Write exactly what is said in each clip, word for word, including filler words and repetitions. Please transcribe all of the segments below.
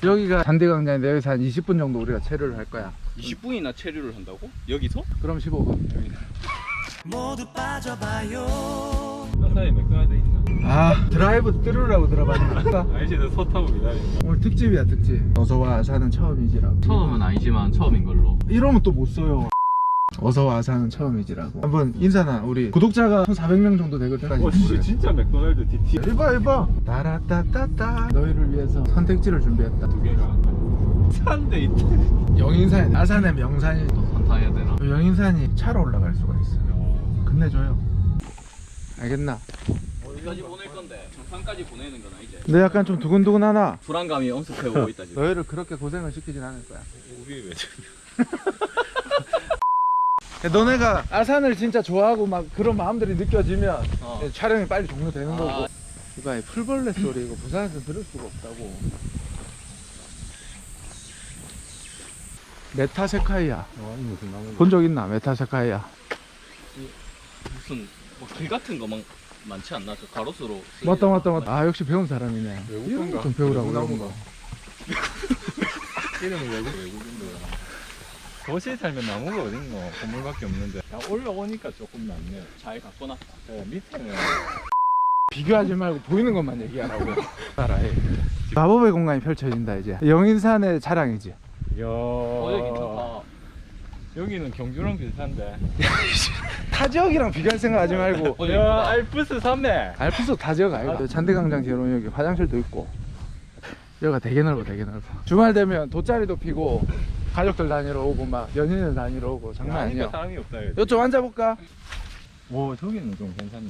여기가 잔디광장인데 여기서 한 이십 분 정도 우리가 체류를 할 거야. 이십 분이나 체류를 한다고? 여기서? 그럼 십오 분. 모두 빠져봐요. 사사에 맥도날드 있나? 아, 드라이브 스루라고 들어봤나? 아저씨들 서 타고 기다린다. 오늘 특집이야, 특집. 어서와 아사는 처음이지라고. 처음은 아니지만 처음인 걸로. 이러면 또 못 써요. 어서와 아사는 처음이지라고. 한번 인사나. 우리 구독자가 한 사백 명 정도 되거든. 어씨 진짜 맥도날드 디티 이봐 이봐. 따라따따따. 너희를 위해서 선택지를 준비했다. 두 개가 산데 있다. 영인산, 아산의 명산이. 또 산 타야 되나? 영인산이 차로 올라갈 수가 있어요. 끝내줘요. 알겠나? 어디까지 보낼 건데? 정상까지 보내는 거나 이제. 근데 약간 좀 두근두근하나? 불안감이 엄습해오고 있다 지금. 너희를 그렇게 고생을 시키진 않을 거야. 우리 왜 너네가 아산을 진짜 좋아하고 막 그런 마음들이 느껴지면 어. 촬영이 빨리 종료되는 아. 거고. 이봐, 이 풀벌레 소리 이거 부산에서 들을 수가 없다고. 메타세카이아 어, 이 무슨 나무? 본 적 있나? 메타세카이아. 무슨 뭐 길 같은 거 막 많지 않나? 저 가로수로. 맞다 맞다 맞다. 아, 역시 배운 사람이네. 외국 이런 거 건가? 좀 배우라고 외국 이런 거. 나무가. 이름은 외국 외국인데. 도시에 살면 나무가 어딨노? 건물밖에 없는데. 야, 올라오니까 조금 낫네. 잘 갖고 놨다. 네, 밑에는 비교하지 말고 보이는 것만 얘기하라고. 알아해. 마법의 공간이 펼쳐진다 이제. 영인산의 자랑이지. 이야. 어 여기 괜찮다. 여기는 경주랑 비슷한데. 타 지역이랑 비교할 생각하지 말고. 어, 야, 알프스 산맥. 알프스 다 지역 아이가. 잔디광장 뒤로 여기 화장실도 있고. 여기가 되게 넓어, 되게 넓어. 주말 되면 돗자리도 피고 가족들 다니러 오고 막 연인들 다니러 오고 장난 아니까 아니야. 사람이 없다. 여기. 이쪽 앉아볼까? 오, 저기는 좀 괜찮네.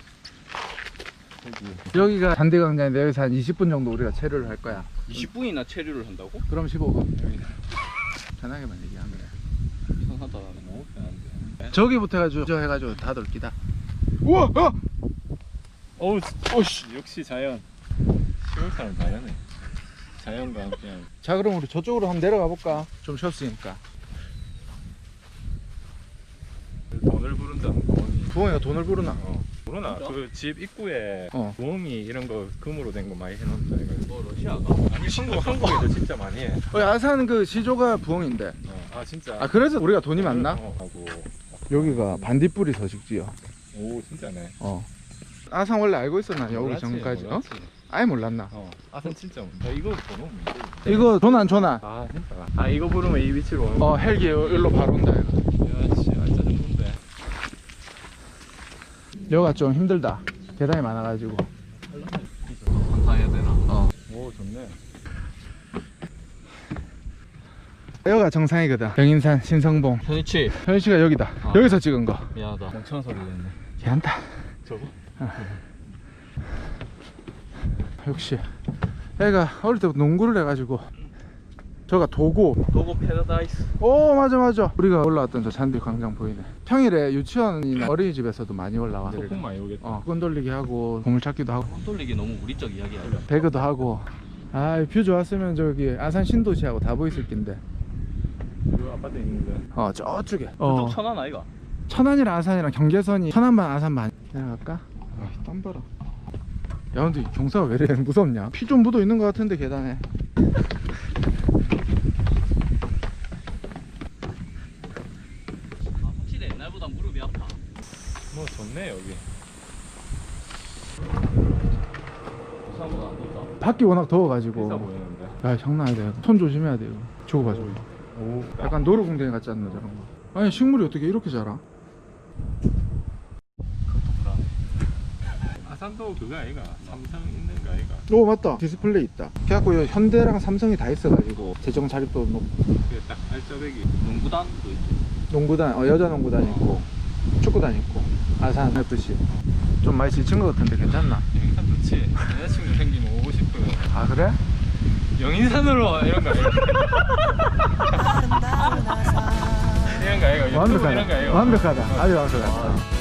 여기. 여기가 잔디광장인데 여기서 한 이십 분 정도 우리가 체류를 할 거야. 이십 분이나 체류를 한다고? 그럼 십오 분. 여기. 편하게만 얘기하면 돼. 이상하다. 너무 편한데. 저기부터 해가지고 저 해가지고 다 돌기다. 우와! 어! 어우, 오씨, 역시 자연. 시골 사람 자연해. 자연과 함께하는. 자, 그럼 우리 저쪽으로 한번 내려가 볼까? 좀 쉬었으니까. 돈을 부른다는 돈이. 부엉이가 돈을 부르나? 어. 모르나? 진짜? 그 집 입구에 어. 부엉이 이런 거 금으로 된 거 많이 해놓는다 이거. 뭐 러시아가? 아니 한국 한국에도 진짜 많이 해. 어, 아산 그 시조가 부엉인데. 어. 아 진짜. 아, 그래서 우리가 돈이 많나? 어, 하고. 여기가 반딧불이 서식지요. 오 진짜네. 어. 아산 원래 알고 있었나? 여기 몰랐지, 전까지. 어? 몰랐지. 아예 몰랐나? 어. 아산 진짜. 야, 이거 번호 뭔데? 이거 전환 전환. 아 진짜. 아 이거 부르면 이 위치로 오는 어, 헬기 일로 바로 온다 이거. 야씨 알짜 정도인데. 여기가 좀 힘들다. 계단이 많아가지고. 산 타야 되나? 어. 오 좋네. 여기가 정상이거든. 영인산 신성봉. 현이치. 현씨가 여기다. 아. 여기서 찍은 거. 미안하다. 멍청한 소리 했네. 괜찮다. 저거? 역시 애가 어릴 때부터 농구를 해가지고. 저가 도고. 도고 패러다이스. 오, 맞아 맞아. 우리가 올라왔던 저 잔디 광장 보이네. 평일에 유치원이나 어린이집에서도 많이 올라와. 소풍 많이 오겠다. 어, 끈 돌리기 하고 보물찾기도 하고 손 돌리기 너무 우리적 이야기야. 배그도 하고. 아, 뷰 좋았으면 저기 아산 신도시하고 다 보였을 낀데. 그 아파트 있는데. 어, 저쪽에. 저쪽 어, 천안 아이가? 천안이랑 아산이랑 경계선이 천안반 아산반 내려갈까? 아, 땀 봐라. 야, 근데 경사가 왜 이래 무섭냐? 피 좀 묻어 있는 것 같은데 계단에. 아, 확실히 옛날보다 무릎이 아파. 뭐 좋네 여기. 부산보다 안 덥다. 밖이 워낙 비싸 더워가지고. 보이는데. 야, 장난 아니다. 손 조심해야 돼 이거. 저거 봐, 저거. 오. 약간 노루궁뎅이 같지 않나 저런 거. 아니, 식물이 어떻게 이렇게 자라? 아산도 그거 아이가? 삼성 있는 거 아이가? 오, 맞다. 디스플레이 있다. 그래갖고 여기 현대랑 삼성이 다 있어가지고 재정 자립도 높고. 그게 딱 알짜배기. 농구단도 있지. 농구단, 어, 여자 농구단 있고 축구단 있고 아산 에프씨. 좀 많이 지친 것 같은데 괜찮나? 영인산 좋지. 여자친구 생기면 오고 싶어요. 아, 그래? 영인산으로 이런 거 아이가? 이런 거 아이가? 유튜브 이런 거 완벽하다. 아이가? 완벽하다. 아주 완벽하다.